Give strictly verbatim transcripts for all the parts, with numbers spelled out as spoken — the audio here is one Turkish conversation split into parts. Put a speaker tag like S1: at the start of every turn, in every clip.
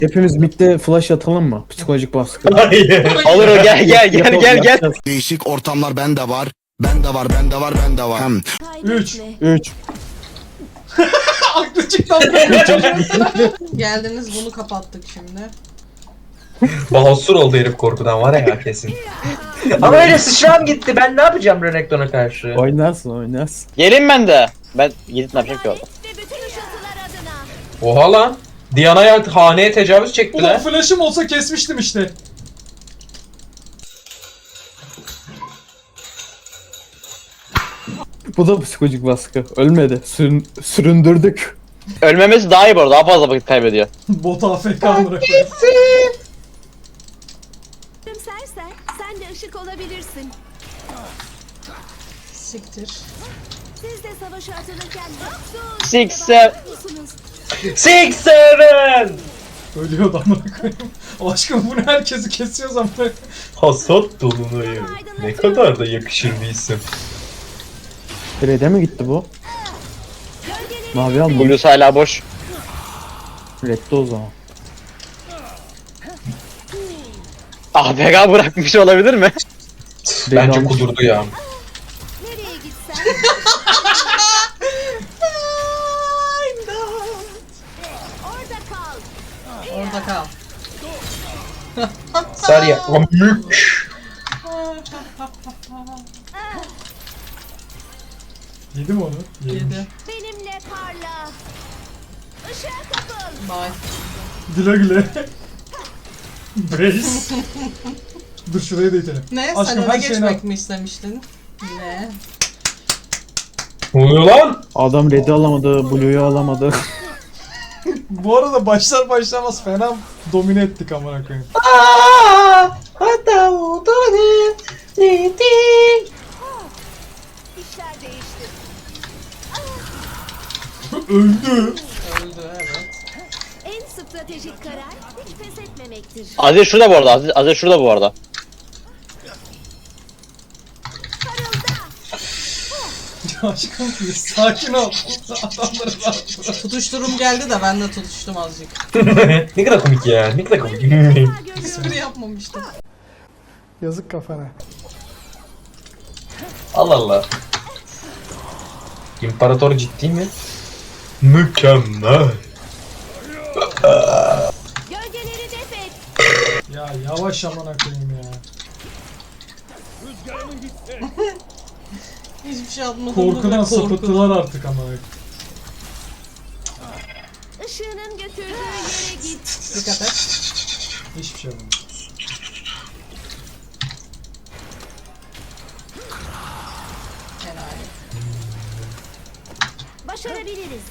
S1: Hepimiz midde flash atalım mı? Psikolojik baskı.
S2: Hayır.
S3: Olur o gel gel gel
S1: Yapalım,
S3: gel gel.
S1: yapacağız.
S4: Değişik ortamlar bende var. Bende var, bende var, bende var. Hem
S5: Üç.
S1: üç.
S5: Aklı çıktı. Geldiniz bunu kapattık şimdi.
S2: Bahosur oldu herif korkudan var ya kesin. Ama öyle sıçram gitti. Ben ne yapacağım Renekton'a karşı?
S1: Oynarsın oynarsın.
S3: Gelin ben de. Ben gidip ne yapacağım ki orada?
S6: Ve bütün ışıltılar adına.
S2: Oha lan. Diana'ya haneye tecavüz
S5: Ulan
S2: çektiler.
S5: flash'ım olsa kesmiştim işte.
S1: Bu da psikolojik baskı. Ölmedi. Sürün, süründürdük.
S3: Ölmemesi daha iyi bu arada. Daha fazla vakit kaybediyor.
S5: Bot A F K bırakıyor.
S6: Gülümsersen sen de ışık olabilirsin.
S5: Siktir.
S6: Siz de savaşa atılırken yoksunuz.
S3: Six, seven.
S6: Musunuz?
S2: Six seven.
S5: Ölüyordu amına koyayım. Aşkım bu ne, herkesi kesiyoruz amına koyayım.
S2: Hasat dolunayı. Ne kadar da yakışır bir isim.
S1: Red'e mi gitti bu?
S6: Gölgeleri
S1: Mavi aldı.
S3: Blues hala boş.
S1: Red'de o zaman.
S3: Ah P K bırakmış olabilir mi?
S2: Bence
S1: almış.
S2: kudurdu ya.
S6: nereye gitsen. Orada kal.
S5: Orada kal.
S2: Sarıya. Mük.
S5: Yedi mi onu? Yedi.
S6: Benimle parla. Işığa kapıl.
S5: Bye. Güle güle. Brace. Dur şurayı da itelim.
S7: Ne?
S5: Aşkım,
S7: Sen
S5: her
S7: öne
S5: şeyini
S7: geçmek mi istemiştin? Ne?
S2: Ne oluyor lan?
S1: Adam Red'i alamadı, Blue'yu alamadı.
S5: Bu arada başlar başlamaz fena domine ettik amına koyayım.
S6: İşler değişti.
S5: Öldü.
S7: Öldü evet.
S6: En stratejik karar hiç pes etmemektir.
S3: Aziz şurada bu arada. Aziz, Aziz şurada bu arada.
S5: Aşkım bir sakin ol. Adamları rahat.
S7: Tutuşturum geldi de ben de tutuştum azıcık.
S2: Ne kadar komik ya. Ne kadar komik.
S7: Espri yapmamıştım.
S5: Yazık kafana.
S2: Allah Allah. İmparator ciddi mi? Mükemmel.
S6: Gölgeleri def et.
S5: Ya yavaş amına koyayım ya.
S7: Hiçbir şey yapmadım.
S5: Korkudan sapıttılar artık ama.
S6: Işığının götürdüğü yere git.
S7: Dikkat et.
S5: Hiçbir şey olmadı.
S7: Helal.
S6: Başarabiliriz.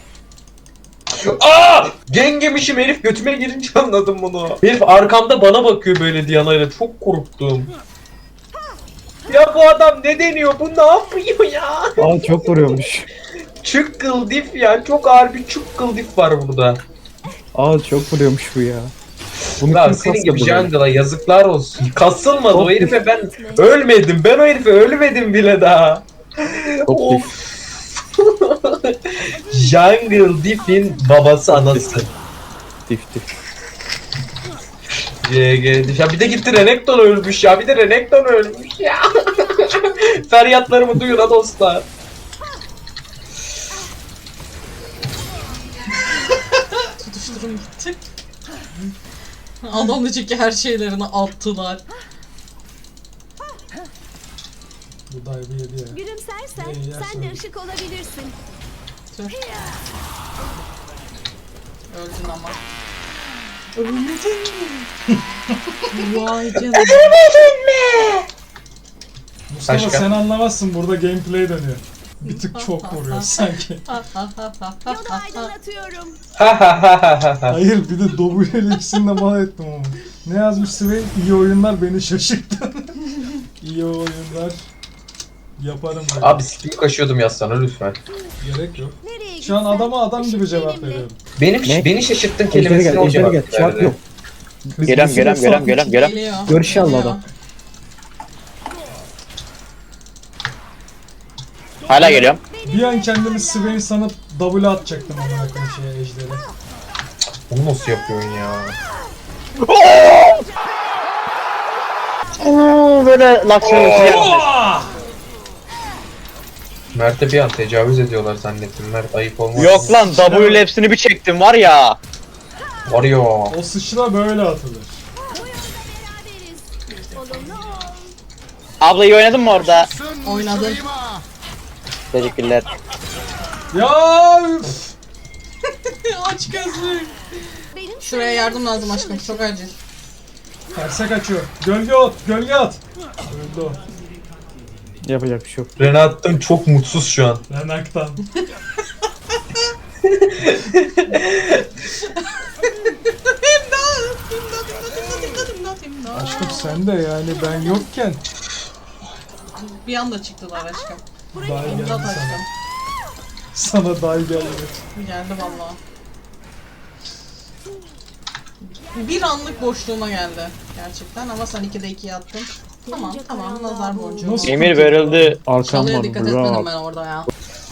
S2: Aa! Gengemişim herif götüme girince anladım bunu. Herif arkamda bana bakıyor böyle Diana'yla. Çok korktum. Ya bu adam ne deniyor? Bu ne yapıyor ya?
S1: Aa çok vuruyormuş.
S2: Çukkıl dif ya. Çok ağır bir çukkıl dif var burada.
S1: Aa çok vuruyormuş bu ya. Bunu
S2: Lan
S1: kim
S2: senin gibi
S1: kastırdı böyle?
S2: jungle'a yazıklar olsun. Kasılmadı o
S1: Çok
S2: herife ben ölmedim. Ben o herife ölmedim bile daha.
S1: Çok
S2: Of.
S1: dif.
S2: Jungle Diff'in babası anası.
S1: Dif dif.
S2: G G Diff. Ya bir de gitti Renekton ölmüş ya. Bir de Renekton ölmüş ya. Feryatlarımı duyun ha dostlar.
S7: Tutuşturum gitti. Adam diyecek ki her şeylerini attılar.
S5: Bu dive'ı yedi ya.
S6: Gülümsersen
S5: İyi, yersin.
S6: sen de ışık olabilirsin.
S7: Tüh. Öldün ama. Vay canına.
S5: Mustafa
S2: Başka?
S5: sen anlamazsın, burada gameplay dönüyor. Bir tık çok vuruyor sanki.
S6: Yolu aydınlatıyorum.
S2: Ha ha ha ha ha.
S5: Hayır bir de W ile ikisini de mal ettim ama. Ne yazmış Swain? İyi oyunlar beni şaşırttı. İyi oyunlar yaparım ben.
S2: Abi sikimi kaşıyordum yazsana lütfen.
S5: Gerek yok.
S6: Nereye
S5: Şu an
S6: gitsen
S5: adama adam gibi
S6: ışık
S5: cevap
S6: benimle.
S5: veriyorum.
S2: Benim
S1: Ne?
S2: beni şaşırttın
S1: Ejderi
S2: kelimesini
S1: gel,
S2: o
S1: ejderi
S2: cevap
S1: gel. Çarp
S2: verdi.
S1: yok. Biz-
S3: Gelem
S1: biz
S3: gelem
S1: de
S3: gelem
S1: saf-
S3: gelem gelem.
S7: Geliyor.
S1: Görüş al
S7: Geliyor.
S1: adam.
S3: Hala geliyorum.
S5: Bir an kendimi Swain sanıp W atacaktım amına koyayım şeye ejderi.
S2: Bunu nasıl yapıyorsun ya?
S3: Oo, böyle laksiyonu yapmış.
S2: Mert'e bir an tecavüz ediyorlar zannettim. Mert ayıp olmaz.
S3: Yok lan W'yle hepsini bir çektim var ya.
S2: Var ya.
S5: O sıçra böyle atılır.
S6: Beraberiz. Olumlu ol.
S3: Abla iyi oynadın mı orada?
S7: Oynadın.
S3: Teşekkürler.
S5: Ya üf.
S7: Aç gözlük.
S6: Benim
S7: Şuraya yardım lazım aşkım. Çok acil.
S5: Terse kaçıyor. Gölge at, gölge at. Öldü o.
S1: Yapacak bir şey yok.
S2: Renat'tan çok mutsuz şu an.
S5: Renaktan. Aşkım sen de yani ben yokken
S7: Bir anda çıktılar aşkım.
S5: dahi geldi
S7: İmdat
S5: sana.
S7: aşkım.
S5: Sana dahi geldi.
S7: Geldi valla. Bir anlık boşluğuma geldi gerçekten ama sen ikide ikiye attın. Tamam tamam nazar boncuğu.
S5: Nasıl?
S3: Emir verildi.
S1: Arkam
S7: Çalıya
S1: var.
S7: dikkat etmedim
S1: Bravo.
S7: ben orada ya.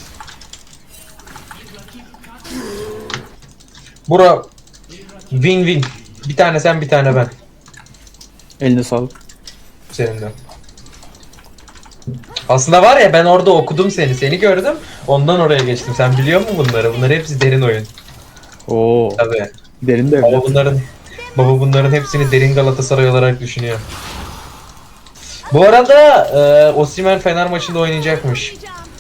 S2: Bura win win. Bir tane sen bir tane ben.
S1: Eline sağlık.
S2: Senin de. Aslında var ya ben orada okudum seni. Seni gördüm. Ondan oraya geçtim. Sen biliyor musun bunları? Bunlar hepsi derin oyun.
S1: Oo.
S2: Tabii.
S1: Derin de
S2: Baba
S1: evlat.
S2: bunların baba bunların hepsini derin Galatasaray olarak düşünüyor. Bu arada e, Osimhen Fener maçında oynayacakmış.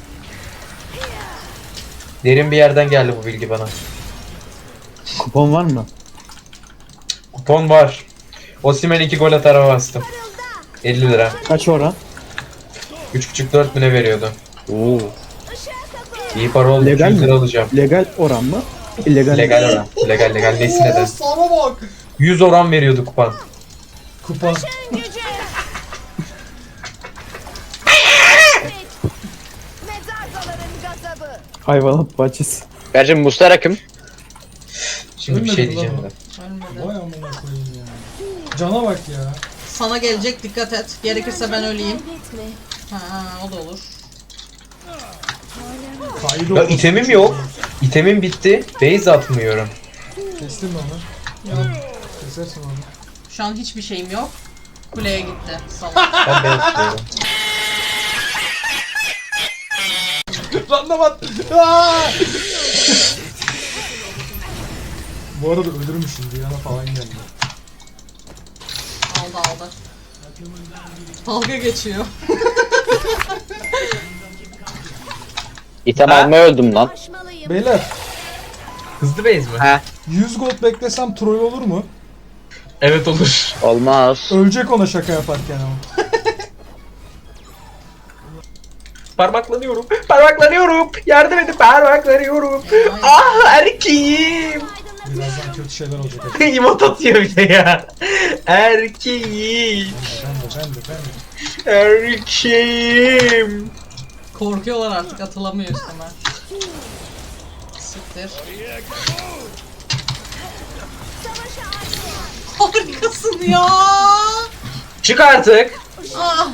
S2: Derin bir yerden geldi bu bilgi bana.
S1: Kupon var mı?
S2: Kupon var. Osimhen iki gol atar hava bastım. elli lira.
S1: Kaç oran?
S2: üç buçuk dört bine veriyordu.
S1: Oo.
S2: İyi para oldu.
S1: Legal
S2: yüz
S1: mi?
S2: lira alacağım.
S1: Legal oran mı? İllegal.
S2: Legal oran. Legal legal. Neyse
S5: Oo,
S2: neden.
S5: sana bak.
S2: yüz oran veriyordu kupon.
S5: Kupa.
S6: Mezarcaların gazabı.
S1: Hayvanat bahçesi.
S3: Gerçi Muslera kim?
S2: Şimdi bir şey
S5: Ölmedi lan
S2: diyeceğim
S5: o.
S2: de.
S7: Ölmedi.
S5: Vay amına koyayım ya. Cana bak ya.
S7: Sana gelecek dikkat et. Gerekirse ben öleyim.
S6: Kaybetme.
S7: Ha o da olur.
S5: Kaydı
S2: Ya
S5: olmuş.
S2: itemim yok. İtemim bitti. Base atmıyorum.
S5: Kestin mi onu?
S7: Yok.
S5: Kesersin onu.
S7: Şu an hiçbir şeyim yok. Kuleye gitti. Salak.
S2: Ben base atıyorum.
S5: Randamat. Aa! Bu arada ölürmüşüm Diana falan geldi.
S7: Aldı aldı. Dalga geçiyor.
S3: İtem
S2: Ha?
S3: almaya öldüm lan.
S6: Aşmalıyım.
S5: Beyler
S2: Hızlı base mi?
S3: He.
S5: yüz gold beklesem troll olur mu?
S2: Evet olur.
S3: Olmaz.
S5: Ölecek ona şaka yaparken ama.
S2: Parmaklanıyorum. Parmaklanıyorum. Yardım edin parmaklanıyorum. Ah erkeğim.
S5: Birazdan kötü şeyler olacak.
S2: İmot atıyor bir de ya. Erkeğim.
S5: Ben de ben de ben de.
S2: Erkeğim.
S7: Korkuyorlar artık atılamıyor üstüme. Siktir. Harikasın ya.
S2: Çık artık.
S7: Ah.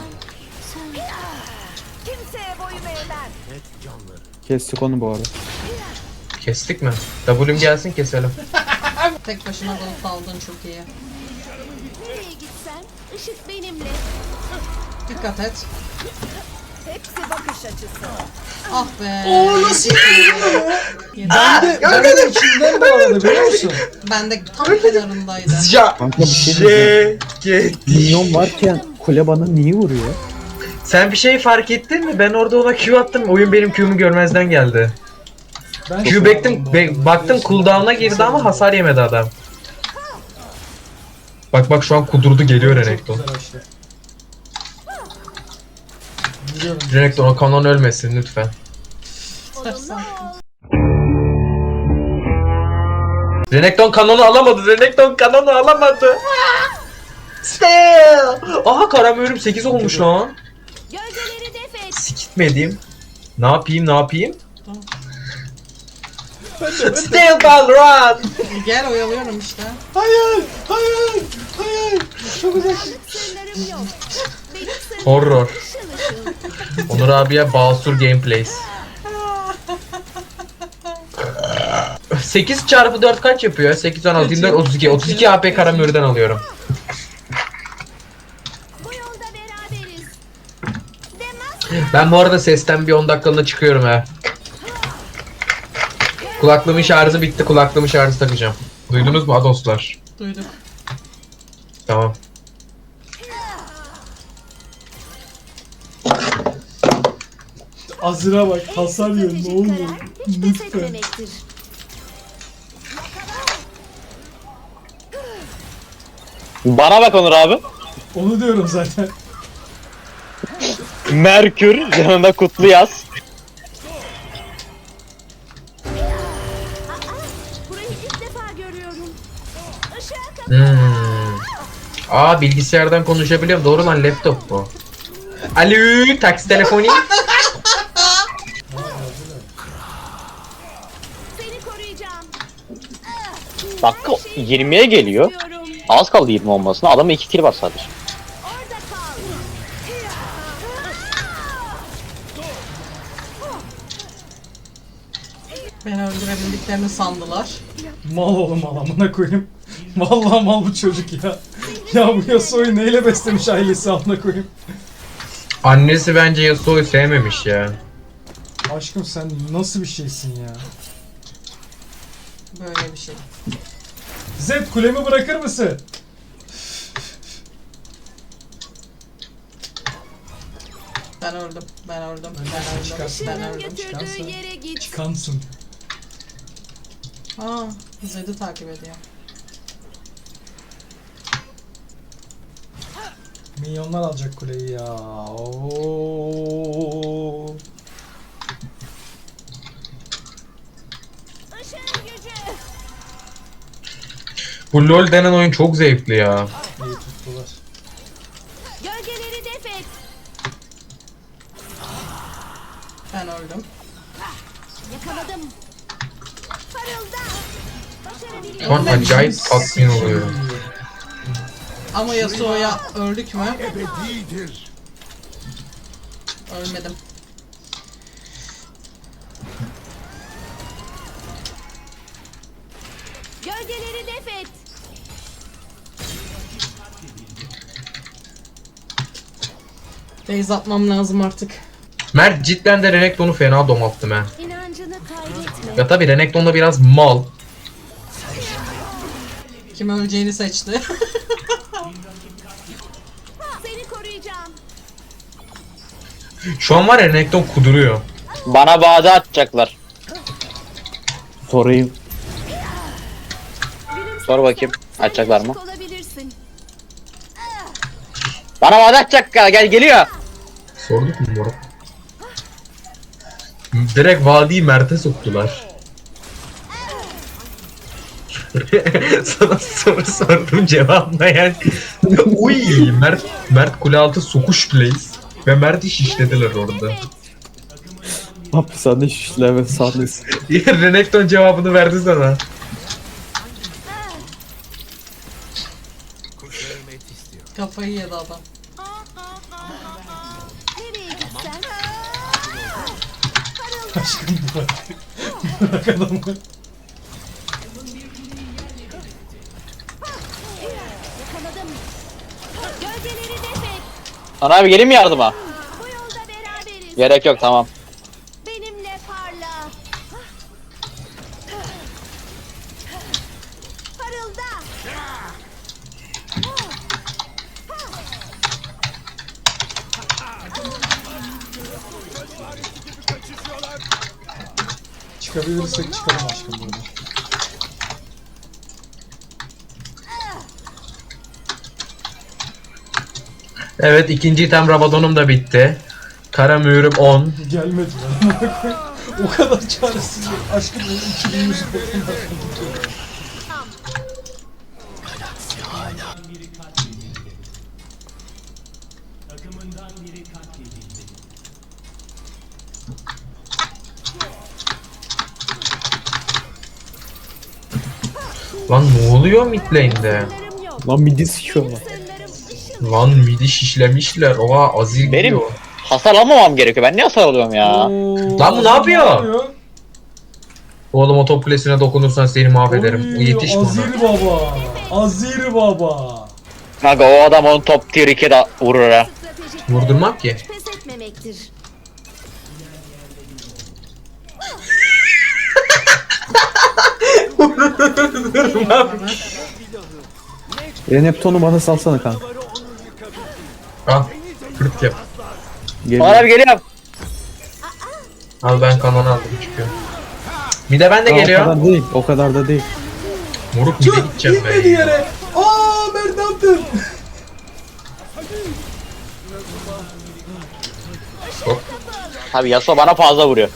S6: Kimseye boyun eğmem.
S1: Kestik onu bu arada.
S2: Kestik mi? W'm gelsin keselim.
S7: Tek başına dalıp daldın çok iyi.
S6: Nereye gitsen ışık benimle.
S7: Dikkat et.
S6: Hepsi bakış açısı.
S7: Ah be.
S5: Oo nasıl
S7: Yedi.
S5: Ben de, ben de içinden bağladı biliyor musun?
S7: Ben de tam kenarındaydı.
S2: Ya.
S1: Kanka bir şey diyeceğim.
S2: Get.
S1: Minyon varken kule bana niye vuruyor?
S2: Sen bir şey fark ettin mi? Ben orada ona Q attım. Oyun benim Q'mu görmezden geldi.
S5: Ben
S2: Q baktım, be- baktım cooldown'a girdi ama hasar yemedi adam. Bak bak şu an kudurdu geliyor Renekton.
S5: Çok güzel açtı. Biliyorum.
S2: Renekton o kanon ölmesin lütfen.
S7: Sarsan.
S2: Renekton kanonu alamadı. Renekton kanonu alamadı. Still. Aha karamüyorum sekiz olmuş lan.
S6: Gölgeleri def et.
S2: Sikitmedim. Ne yapayım ne yapayım? Still ball run.
S7: Gel oyalıyorum işte.
S5: Hayır! Hayır! Hayır! Çok uzak.
S6: Sırlarım yok. Benim sırlarım
S2: Horror.
S6: ışıl ışıl.
S2: Onur abiye Basur Gameplays. sekiz çarpı dört kaç yapıyor? sekiz, on altı, yirmi dört, otuz iki. otuz iki A P Karamür'den alıyorum.
S6: Bu yolda beraberiz.
S2: Ben bu arada sesten bir on dakikalığına çıkıyorum ha. Kulaklığımın şarjı bitti. Kulaklığımın şarjı takacağım. Duydunuz mu Adoslar?
S7: Duyduk.
S2: Tamam.
S5: Azira bak hasar yiyor ne
S6: Stratejik
S5: oluyor?
S6: karar hiç pes
S5: Lütfen.
S6: etmemektir.
S3: Bana bak Onur abi.
S5: Onu diyorum zaten.
S3: Merkür yanında kutlu yaz.
S6: Burayı ilk defa görüyorum. Işığa kapat.
S2: Hmm. Aa bilgisayardan konuşabiliyorum. Doğru lan laptop bu. Alo taksi telefonu.
S6: Seni koruyacağım.
S3: Dakika yirmiye geliyor.
S6: Diyorum.
S3: Az kaldı yirmi olmasına. Adamın iki kill var sadece.
S6: Orada kal.
S7: Beni öldürebildiklerini sandılar.
S5: Mal oğlum mal amına koyayım. Vallahi mal bu çocuk ya. Ya bu Yasuo'yu neyle beslemiş ailesi amına koyayım.
S2: Annesi bence Yasuo'yu sevmemiş ya.
S5: Aşkım sen nasıl bir şeysin ya?
S7: Böyle bir şey.
S5: Zed kulemi bırakır mısın?
S7: Ben öldüm. Ben öldüm. Ben
S5: Öldüm,
S7: öldüm.
S5: çıkarsın.
S7: Ben
S6: Işığın
S7: öldüm.
S6: götürdüğü
S5: çıkarsın.
S6: yere git.
S5: Çıkansın.
S7: Aa, Zed'i takip ediyor.
S5: Milyonlar alacak kuleyi ya. Oo.
S6: Işığın gücü.
S2: Bu LoL denen oyun çok zevkli ya.
S5: İyi tuttular.
S6: Gölgeleri def et.
S7: Ben öldüm.
S6: Yakaladım. Parılda.
S2: Şu an
S6: Başarabilirim.
S2: acayip tatmin oluyorum.
S7: Ama Yasuo'ya öldük mü? Ölmedim.
S6: Gölgeleri def et.
S7: Base atmam lazım artık.
S2: Mert cidden de Renekton'u fena domalttım ha.
S6: İnancını kaybetme.
S2: Ya tabi Renekton da biraz mal.
S7: Kim öleceğini seçti.
S6: Seni koruyacağım.
S2: Şu an var ya Renekton kuduruyor.
S3: Bana bağda atacaklar.
S1: Sorayım.
S3: Sor bakayım.
S6: Sen
S3: Açacaklar mı?
S6: değişik olabilirsin.
S3: Bana bağda atacak gel, gel geliyor.
S2: Sorduk mu moruk? Direkt vadiyi Mert'e soktular. Sana soru sordum cevaplayan. Uy Mert Mert kule altı sokuş plays ve Mert'i şişlediler orada.
S1: Hapishane şişleme sahnesi.
S2: Renekton cevabını verdi sana.
S7: Kafayı yedi adam.
S6: Nereye gitsen?
S5: Aşkım bırak. Bırak adamı.
S6: Yakaladım. Gölgeleri def et.
S3: Sana abi geleyim mi yardıma?
S6: Bu yolda beraberiz.
S3: Gerek yok tamam.
S6: Benimle parla. Parılda.
S5: Çıkabilirsek çıkalım aşkım burada.
S2: Evet ikinci item Rabadon'um da bitti. Kara mühürüm on.
S5: Gelmedi lan. O kadar çaresiz. Aşkım benim iki bin yüz
S2: Lan ne oluyor mid lane'de?
S6: Sınırım yok.
S1: Lan midi sikiyorlar.
S6: Sınırım ışıl.
S2: Lan midi şişlemişler. Oha azil
S3: Benim
S2: gidiyor.
S3: hasar almamam gerekiyor. Ben niye hasar alıyorum ya?
S2: Lan bu ne yapıyor? Oğlum o top kulesine dokunursan seni mahvederim.
S5: Oy,
S2: O yetiş bana.
S5: Azir baba. Azir baba.
S3: Kanka o adam onu top tier iki'de vurur ha.
S6: Stratejik
S2: Vurdurmam ki.
S6: hiç pes etmemektir.
S1: Renekton'u bana salsana kanka.
S2: Al. Fırt yap.
S1: Geliyor.
S3: Bana bir geliyorum.
S2: Al ben kanonu aldım çıkıyor. Bir de ben de
S1: Aa, O
S2: geliyor.
S1: kadar değil. O kadar da değil.
S2: Moruk bir de gideceğim
S5: Gitmedi
S2: ben.
S5: yere. Aa Mert ne yaptın?
S3: Tabii Yasuo bana fazla vuruyor.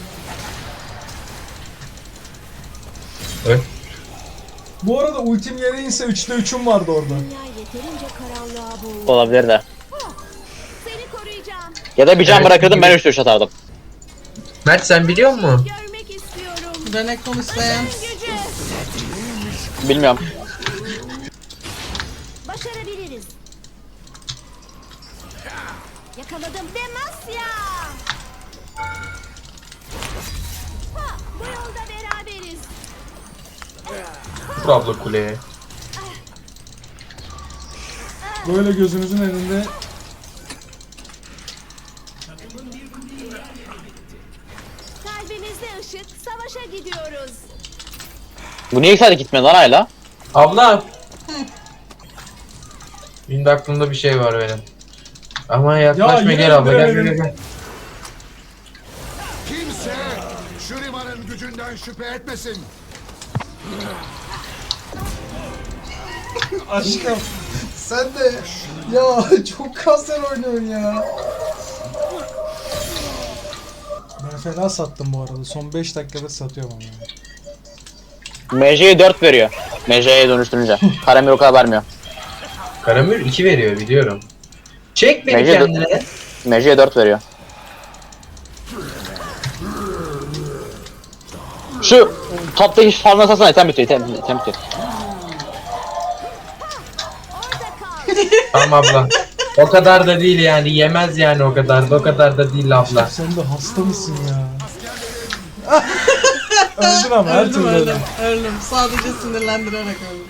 S2: Öl.
S5: Bu arada ultim yere inse üçte üçüm vardı orada.
S6: Dünya yeterince karanlığa boğuldu.
S3: Olabilir de.
S6: Seni koruyacağım.
S3: Ya da bir can
S2: Evet,
S3: bırakırdım ben
S2: gibi.
S3: üç üç atardım.
S2: Mert sen biliyor musun?
S6: Görmek istiyorum.
S7: Renekton isteyen.
S6: Gücü.
S3: Bilmiyorum.
S6: Başarabiliriz. Yakaladım. Demasya. Ha, bu yolda beraberiz.
S2: Vur abla kuleye.
S5: Böyle gözünüzün önünde
S6: Kalbimizde ışık. Savaşa gidiyoruz.
S3: Bu niye sadece gitmedi lan hala?
S2: Abla. Şimdi aklımda bir şey var benim. Ama yaklaşma
S5: yine
S2: gel abla gel
S5: indiremedim.
S2: gel gel.
S4: Kimse Shuriman'ın gücünden şüphe etmesin.
S5: aşkım sen de ya çok kanser oynuyorsun ya. Ben fena sattım bu arada. Son beş dakikada satıyorum ama. ya.
S3: M J'ye dört veriyor. M J'ye dönüştürünce. Karamir o kadar vermiyor.
S2: Karamür iki veriyor biliyorum. Çek beni
S3: Bence de-
S2: kendine.
S3: M J'ye dört veriyor. Şu toptaki farmına satsana item bitiyor item, item bitiyor.
S6: Orada kal.
S2: Tamam abla. O kadar da değil yani yemez yani o kadar da o kadar da değil abla.
S5: Sen de hasta mısın ya? Öldün ama her
S7: Öldüm
S5: türlü
S7: öldüm.
S5: öldün.
S7: Öldüm. Sadece sinirlendirerek öldüm.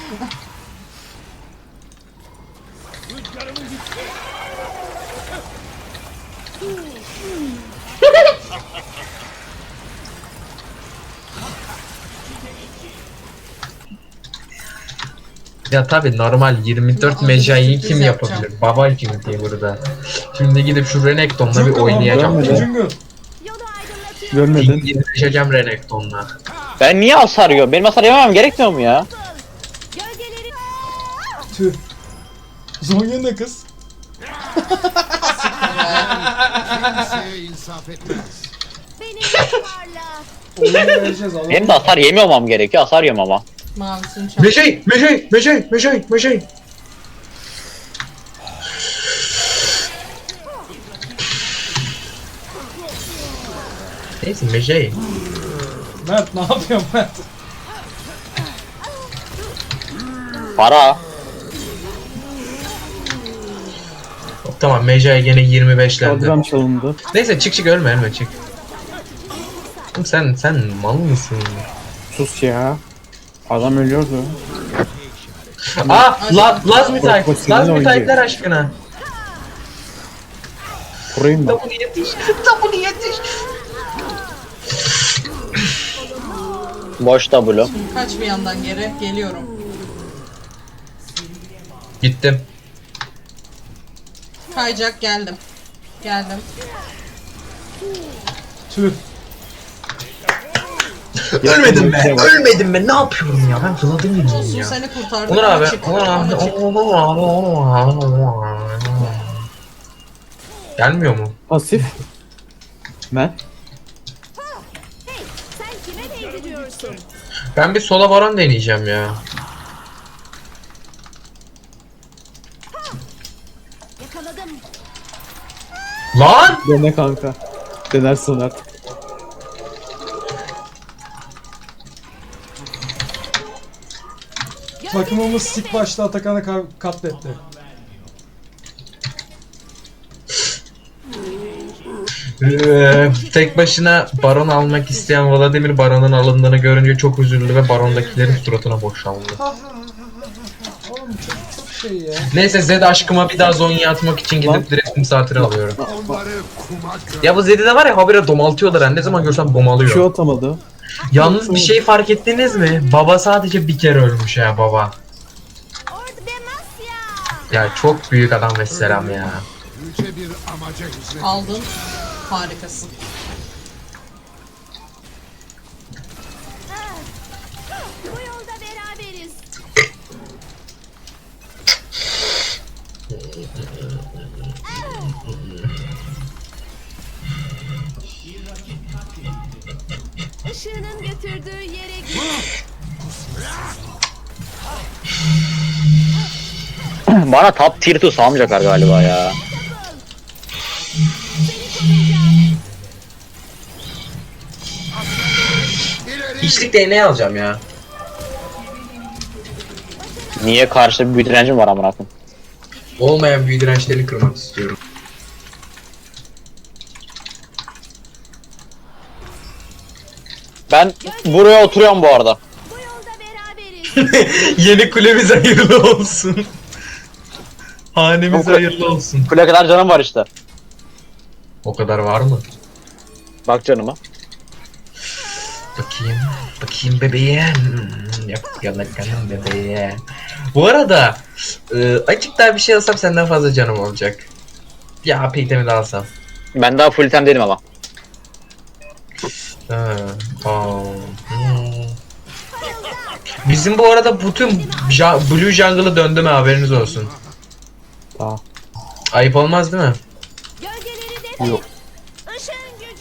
S2: Ya tabi normal yirmi dört
S7: Ama
S2: mecayı
S7: sürpriz
S2: kim
S7: yapacağım.
S2: yapabilir? Baba kim diye burada. Şimdi gidip şu Renekton'la bir
S5: Jungle
S2: oynayacağım.
S5: abi,
S1: Görmedim.
S5: Jungle.
S6: Yolu aydınlatıyorum.
S1: Görmedin.
S2: Girişeceğim Renekton'la.
S3: Ben niye hasar yiyorum? Benim hasar yememem gerekmiyor mu ya?
S6: Gölgeleri.
S5: Tüh. Zonya ne kız?
S4: Kimseye insaf etmez.
S6: Beni varla.
S5: Oyunu vereceğiz Allah'ım.
S3: Benim de hasar yememem gerekiyor. Hasar yiyorum ama.
S7: Mavisini çal.
S2: Mecey! Mecey! Mecey! Mecey! Mecey! Neyse Mecey.
S5: Mert ne yapıyorsun Mert?
S3: Para.
S2: Tamam Mecey gene yirmi beşlendi.
S1: Kadram çalındı.
S2: Neyse çık çık ölme ölme çık. Oğlum sen sen mal mısın?
S1: Sus ya. Adam ölüyordu.
S2: Aa la, Laz mı type?
S1: Profesyonel
S2: Laz mı
S1: oyuncu.
S2: type'ler aşkına?
S1: Kurayım ben.
S2: Bunu yetiş. Bunu yetiş.
S3: Boş W.
S7: Kaç bir yandan geri. Geliyorum.
S2: Gittim.
S7: Kayacak geldim. Geldim.
S5: Tüh.
S2: Ölmedim
S1: bir
S2: be.
S1: şey var.
S2: Ölmedim be. Ne yapıyorum ya? Ben Vladimir'im
S7: Olsun
S2: ya.
S7: seni kurtardım.
S2: Onur abi.
S7: Açık.
S2: Onur abi.
S7: Açık.
S2: Onur abi. Gelmiyor mu?
S1: Pasif. Ben.
S6: Hey, sen kime değdiriyorsun?
S2: Ben bir sola varan deneyeceğim ya.
S6: Yakaladım.
S2: Lan!
S1: Dene kanka. Denersin artık.
S5: Takımımız sik başta Atakan'ı ka- katletti.
S2: Ee, tek başına baron almak isteyen Vladimir baronun alındığını görünce çok üzüldü ve barondakilerin suratına boşaldı.
S5: Oğlum çok çok şey ya.
S2: Neyse Zed aşkıma bir daha Zonya'ya atmak için gidip direkt misafir alıyorum. Ya bu Zed'i de var ya habire domaltıyorlar, yani ne zaman görsem domalıyor.
S1: Şu atamadı.
S2: Yalnız bir şey fark ettiniz mi? Baba sadece bir kere ölmüş ya baba.
S6: Orada Demasya.
S2: Ya çok büyük adam ve selam ya.
S7: Aldın. Harikasın.
S6: Bu yolda beraberiz. Işığının götürdüğü yere git.
S3: Bana top tier two salmayacaklar galiba ya.
S2: Hiçlik değneği alacağım ya.
S3: Niye karşıda bir büyü direncim var amına koyayım.
S2: Olmayan büyü dirençlerini kırmak istiyorum.
S3: Ben buraya oturuyorum bu arada.
S6: Bu yolda beraberiz.
S2: Yeni kulemiz hayırlı olsun. Hanemiz hayırlı olsun.
S3: Kule kadar canım var işte.
S2: O kadar var mı?
S3: Bak canıma.
S2: Bakayım. Bakayım bebeğim. Hmm, Yok yalakanım bebeğim. Bu arada e, açık daha bir şey alsam senden fazla canım olacak. Ya A P itemi de alsam.
S3: Ben daha full item değilim ama.
S2: Ha, aa, hmm. Bizim bu arada bütün ja Blue Jungle'ı döndü mü haberiniz olsun.
S1: Tamam.
S2: Ayıp olmaz değil mi?
S6: Gölgeleri de
S1: Yok.
S6: Işığın gücü.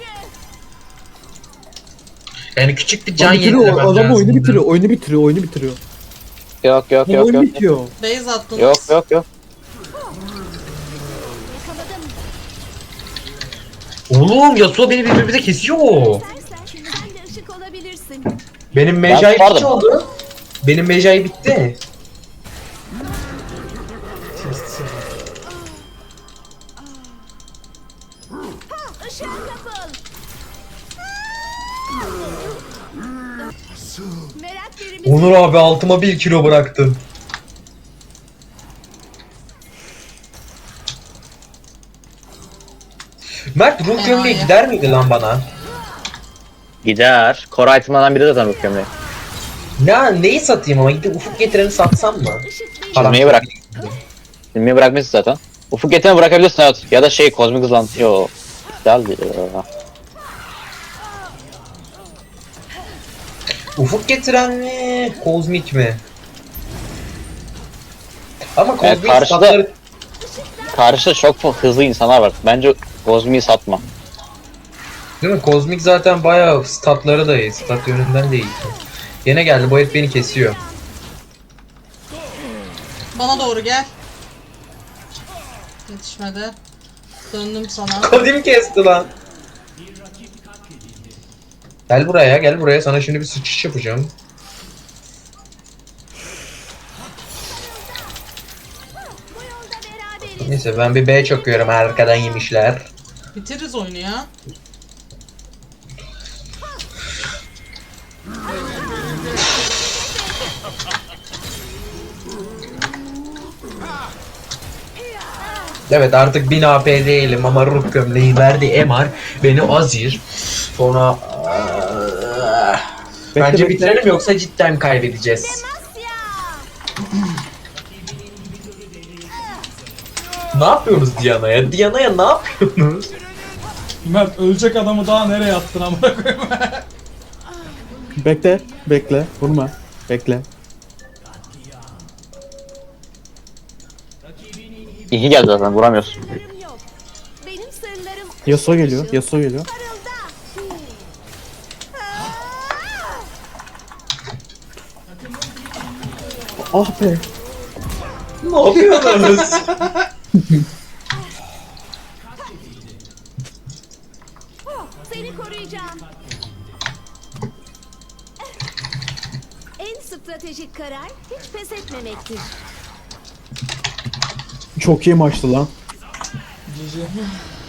S2: Yani küçük bir can
S1: Lan bitiriyor,
S2: yenilemem
S1: adam
S2: lazım.
S1: oyunu bitiriyor, oyunu bitiriyor, oyunu bitiriyor.
S3: Yok yok
S1: Bu
S3: yok
S1: oyun
S3: yok.
S1: bitiyor.
S7: Base attınız.
S3: Yok yok yok.
S6: Yakaladım.
S2: Oğlum Yasuo beni birbirimize kesiyor.
S6: İstersen sen de ışık olabilirsin.
S2: Benim
S3: Ben
S2: mecai
S3: tutardım.
S2: bitti oldu. Benim mecai bitti.
S6: Işığa kapıl. Merak verimiz.
S2: Onur abi altıma bir kilo bıraktın. Mert ruh
S7: Fena
S2: gömleği
S7: ya.
S2: gider miydi lan bana?
S3: Gider. Core item'lardan biri zaten bu gömleği.
S2: Ne neyi satayım ama gidip ufuk getireni satsam mı?
S6: Işık değil.
S2: Falan.
S3: Silmeyi bırak. Silmeyi bırakmışsın zaten. Ufuk getireni bırakabilirsin evet. Ya da şey kozmik hızlan. Yo. Güzel değil.
S2: Ufuk getiren mi? Kozmik mi? Ama
S3: Evet,
S2: kozmik
S3: karşıda-
S2: statları...
S3: Karşıda çok hızlı insanlar var. Bence kozmiği satma.
S2: Değil mi? Kozmik zaten bayağı statları da iyi. Stat yönünden de iyi. Yine geldi bu herif beni kesiyor.
S7: Bana doğru gel. Yetişmedi. Döndüm sana.
S2: Kodim kesti lan. Gel buraya gel buraya sana şimdi bir sıçış yapacağım.
S6: Bu yolda beraberiz.
S2: Neyse ben bir B çakıyorum arkadan yemişler.
S7: Bitiririz oyunu ya.
S2: Evet artık bin A P değilim ama ruh gömleği verdi M R beni azir. Sonra
S1: Bekle,
S2: bence
S1: bekle.
S2: bitirelim yoksa cidden kaybedeceğiz.
S6: Demasya.
S2: Ne yapıyoruz Diana'ya? Diana'ya ne yapıyorsunuz?
S5: Mert ölecek adamı daha nereye attın amına koyayım?
S1: Bekle, bekle, vurma. Bekle.
S3: İyi geldi zaten vuramıyorsun.
S6: Sırlarım yok. Benim sırlarım
S1: Yasuo geliyor, Yasuo geliyor.
S6: parılda.
S1: Ah be.
S2: Ne yapıyorsunuz?
S6: Seni koruyacağım. En stratejik karar hiç pes etmemektir.
S1: Çok iyi maçtı lan.
S5: Cici.